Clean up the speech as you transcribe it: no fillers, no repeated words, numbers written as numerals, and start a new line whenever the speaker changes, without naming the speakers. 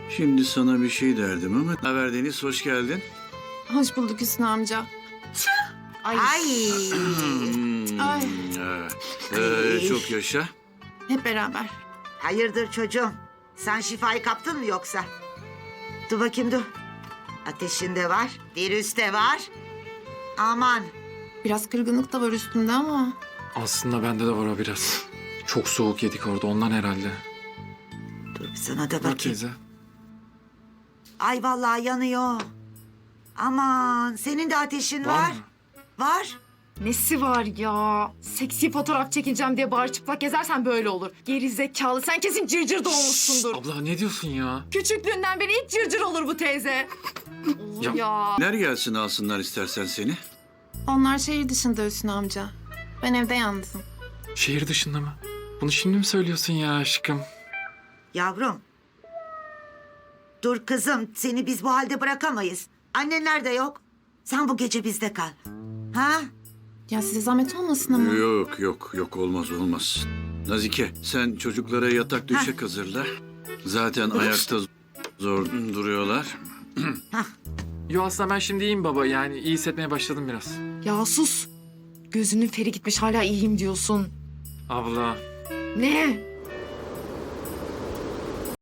Şimdi sana bir şey derdim ama... Haber Deniz, hoş geldin.
Hoş bulduk Hüsnü amca. Ay. Ay.
Çok yaşa.
Hep beraber.
Hayırdır çocuğum? Sen şifayı kaptın mı yoksa? Dur bakayım dur. Ateşin de var, virüs de var. Aman.
Biraz kırgınlık da var üstünde ama.
Aslında bende de var o biraz. Çok soğuk yedik orada ondan herhalde.
Dur bir sana da
Bak
bakayım.
teyze.
Ay vallahi yanıyor. Aman senin de ateşin
Var
var.
mı?
Var.
Nesi var ya? Seksi fotoğraf çekileceğim diye bağır çıplak gezersen böyle olur. Geri zekalı. Sen kesin cırcır doğmuşsundur.
Abla ne diyorsun ya?
Küçüklüğünden beri hiç cırcır olur bu teyze. Olur
Ya-
ya.
Ner gelsin alsınlar istersen seni.
Onlar şehir dışında Hüsnü amca. Ben evde yalnızım.
Şehir dışında mı? Bunu şimdi mi söylüyorsun ya aşkım?
Yavrum. Dur kızım seni biz bu halde bırakamayız. Annenler de yok. Sen bu gece bizde kal. Ha?
Ya size zahmet olmasın ama.
Yok olmaz. Nazike, sen çocuklara yatak döşek hazırla. Zaten ayakta zor duruyorlar.
Yo aslında ben şimdi iyiyim baba yani iyi hissetmeye başladım biraz.
Ya sus. Gözünün feri gitmiş hala iyiyim diyorsun.
Abla
Ne?